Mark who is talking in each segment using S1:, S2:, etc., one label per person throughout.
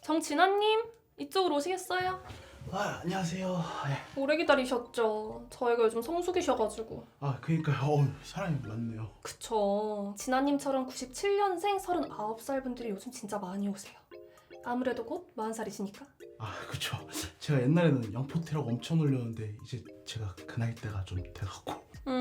S1: 정진아님, 이쪽으로 오시겠어요?
S2: 안녕하세요.
S1: 오래 기다리셨죠? 저희가 요즘 성수기셔가지고.
S2: 그러니까요. 사람이 많네요.
S1: 그쵸. 진아님처럼 97년생 39살 분들이 요즘 진짜 많이 오세요. 아무래도 곧 40살이시니까.
S2: 그쵸. 제가 옛날에는 영포티라고 엄청 놀렸는데 이제 제가 그 나이 때가 좀 돼갖고.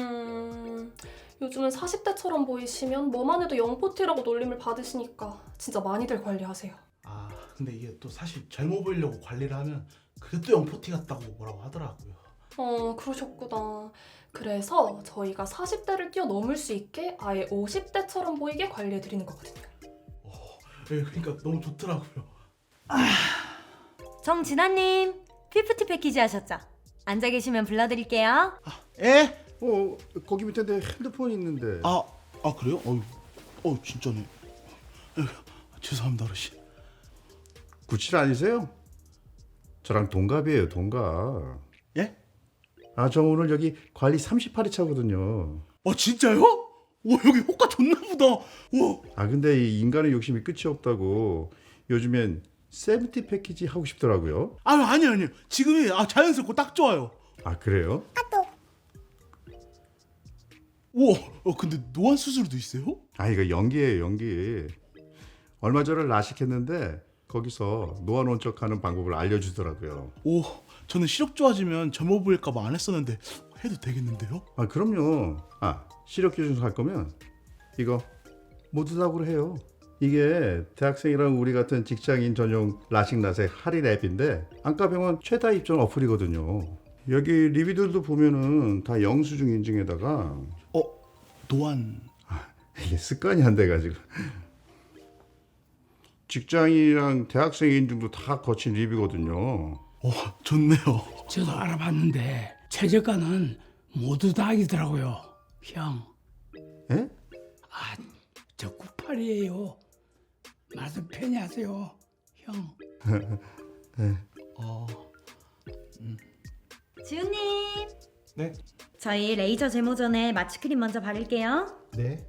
S1: 요즘은 40대처럼 보이시면 뭐만 해도 영포티라고 놀림을 받으시니까 진짜 많이들 관리하세요.
S2: 근데 이게 또 사실 젊어 보이려고 관리를 하면 그게 또 영포티 같다고 뭐라고 하더라고요.
S1: 그러셨구나. 그래서 저희가 40대를 뛰어넘을 수 있게 아예 50대처럼 보이게 관리해드리는 거거든요.
S2: 그러니까 너무 좋더라고요.
S3: 정진아님, 피프티 패키지 하셨죠? 앉아 계시면 불러드릴게요.
S2: 예?
S4: 거기 밑에 내 핸드폰 있는데.
S2: 그래요? 진짜네. 죄송합니다, 어르신.
S4: 97 아니세요? 저랑 동갑이에요, 동갑.
S2: 예?
S4: 저 오늘 여기 관리 38회 차거든요.
S2: 진짜요? 여기 효과 좋나 보다.
S4: 근데 이 인간의 욕심이 끝이 없다고 요즘엔 세븐티 패키지 하고 싶더라고요.
S2: 아니요. 지금이 자연스럽고 딱 좋아요.
S4: 그래요?
S2: 우와, 근데 노안 수술도 있어요?
S4: 이거 연기예요, 연기. 얼마 전에 라식했는데 거기서 노안 원적하는 방법을 알려주더라고요.
S2: 저는 시력 좋아지면 젊어 보일까봐 안 했었는데 해도 되겠는데요?
S4: 그럼요. 시력 기준서 할 거면 이거 모두 다으로 해요. 이게 대학생이랑 우리 같은 직장인 전용 라식라섹 할인 앱인데 안과병원 최다 입점 어플이거든요. 여기 리뷰들도 보면은 다 영수증 인증에다가
S2: 노안.
S4: 이게 습관이 안 돼가지고 직장인이랑 대학생 인증도 다 거친 리뷰거든요.
S2: 좋네요.
S5: 저도 알아봤는데 최저가는 모두 다 이더라고요. 형.
S4: 예?
S5: 저 98이에요. 말씀 편히 하세요. 형.
S3: 지훈님.
S2: 네.
S3: 저희 레이저 제모 전에 마취크림 먼저 바를게요.
S2: 네.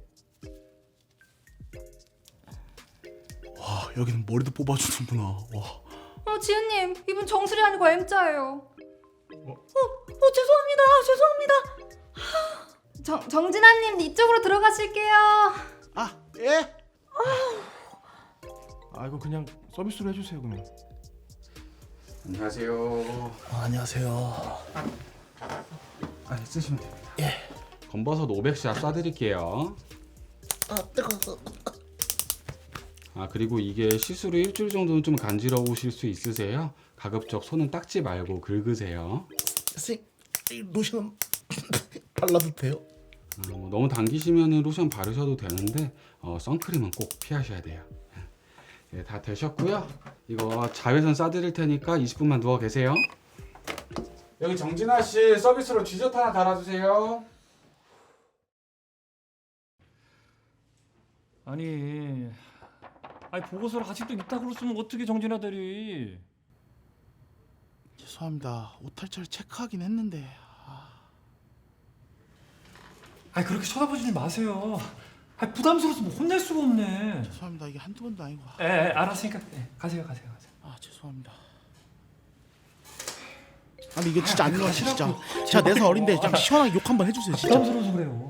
S2: 여기는 머리도 뽑아주는구나.
S1: 지은님, 이분 정수리 아니고 M자예요.
S3: 죄송합니다.
S1: 정진아님, 이쪽으로 들어가실게요.
S2: 예?
S6: 이거 그냥 서비스로 해주세요 그러면.
S7: 안녕하세요.
S2: 안녕하세요.
S6: 쓰시면 됩니다.
S7: 건버섯 500샷 쏴드릴게요.
S2: 뜨거워.
S7: 그리고 이게 시술 후 일주일 정도는 좀 간지러우실 수 있으세요. 가급적 손은 닦지 말고 긁으세요.
S2: 선생님, 로션 발라도 돼요?
S7: 너무 당기시면 로션 바르셔도 되는데 선크림은 꼭 피하셔야 돼요. 네, 다 되셨고요. 이거 자외선 쏴드릴 테니까 20분만 누워 계세요. 여기 정진아 씨 서비스로 디저트 하나 달아주세요.
S6: 아니 보고서를 아직도 있다 그랬으면 어떻게 정진아들이.
S2: 죄송합니다. 오탈자를 체크하긴 했는데.
S6: 그렇게 쳐다보지 마세요. 부담스러워서 뭐 혼낼 수가 없네.
S2: 죄송합니다. 이게 한두 번도 아니고.
S6: 알았으니까 가세요.
S2: 죄송합니다. 이게 진짜 안 나와 진짜. 제가 4살 어린데 좀 시원하게 욕 한번 해주세요 진짜.
S6: 부담스러워서 그래요.